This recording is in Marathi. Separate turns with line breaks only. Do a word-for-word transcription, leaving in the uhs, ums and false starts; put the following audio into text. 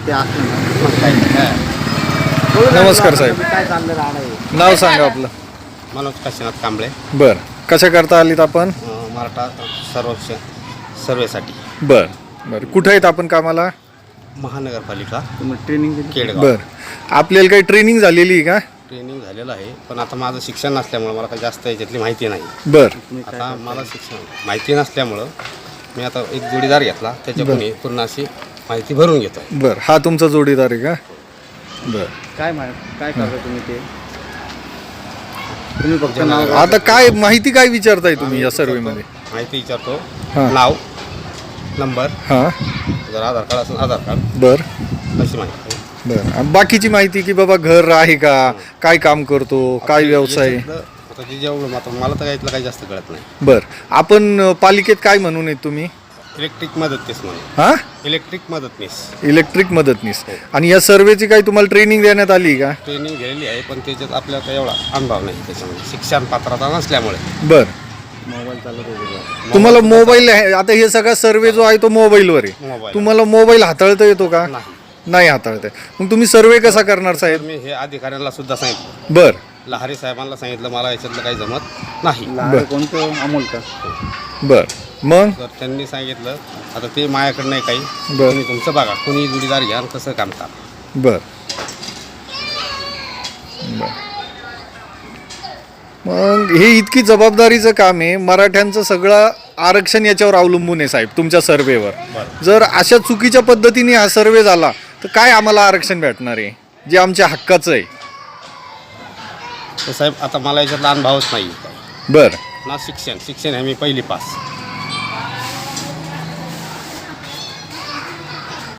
ते असलं ना मग काही नाही.
नमस्कार साहेब.
काय चाललं राहणार
नाव सांगा आपलं.
मनोज काशीनाथ कांबळे.
बर, कशा करता आलीत आपण?
अं, मराठा सर्वेक्षण सर्वेसाठी.
बर बर, कुठं आहेत आपण कामाला?
महानगरपालिका
तुम्ही ट्रेनिंग दिली?
केडगाव.
बर, आपल्याला काही ट्रेनिंग झालेली आहे का?
ट्रेनिंग झालेलं आहे, पण आता माझं शिक्षण नसल्यामुळं मला काही जास्त याच्यातली माहिती नाही.
बर
आता मला शिक्षण माहिती नसल्यामुळं मी आता एक जोडीदार घेतला, त्याच्याकडून ही पूर्ण अशी माहिती भरून घेतो.
बर, हा तुमचा जोडीदार आहे का? बर,
काय मा काय करता तुम्ही ते? तुम्ही फक्त नाव
आता काय माहिती काय विचारताय तुम्ही या सर्वेमध्ये?
माहिती विचारतो.
हां.
नाव, नंबर,
हां.
जर आधार कार्ड असेल आधार कार्ड,
बर
अशी माहिती.
बर, आणि बाकीची माहिती की बाबा घर आहे का, काय काम करतो, काय व्यवसाय?
याच्यातलं आता जे जेवढं आता मला तर यातलं काही जास्त कळत नाही.
बर, आपण अ, पालिकेत काय म्हणून आहेत तुम्ही?
इलेक्ट्रिक मदतनीस म्हणून.
हां,
इलेक्ट्रिक मदतनीस
इलेक्ट्रिक मदतनीस. आणि या सर्वेची काही तुम्हाला ट्रेनिंग देण्यात आली का?
ट्रेनिंग गेलेली आहे, पण त्याच्यात आपल्याला काही एवढा अनुभव नाही त्याच्यामध्ये, शिक्षण पात्रता नसल्यामुळे.
बर,
मोबाईल चालत होते.
तुम्हाला मोबाईल आहे, आता हे सगळा सर्वे जो आहे तो मोबाईलवर आहे.
मोबाईल
तुम्हाला मोबाईल हाताळता येतो का?
नाही.
नाही हाताळता येत. मग तुम्ही सर्वे कसा करणार
तर
साहेब?
मी हे अधिकाऱ्यांना सुद्धा सांगितलं,
बर
लहारी साहेबांना सांगितलं, मला याच्यातलं काही जमत नाही.
लहान कोणतं अमोल का?
बर, मग
तर त्यांनी सांगितलं आता ते माझ्याकडे नाही काही,
बरं.
तुम्ही तुमचं बघा, कोणी जोडीदार घ्या आणि कसं काम करा.
बर बर, मग हे इतकी जबाबदारीचं काम आहे. मराठ्यांचं सगळं आरक्षण याच्यावर अवलंबून आहे साहेब, तुमच्या सर्वेवर.
बरं.
जर अशा चुकीच्या पद्धतीने हा सर्वे झाला तर काय आम्हाला आरक्षण भेटणार आहे जे आमच्या हक्काचं आहे?
तर साहेब आता मला याच्यातला अनुभवच नाही.
बर
ना शिक्षण शिक्षण आहे मी पहिली पास.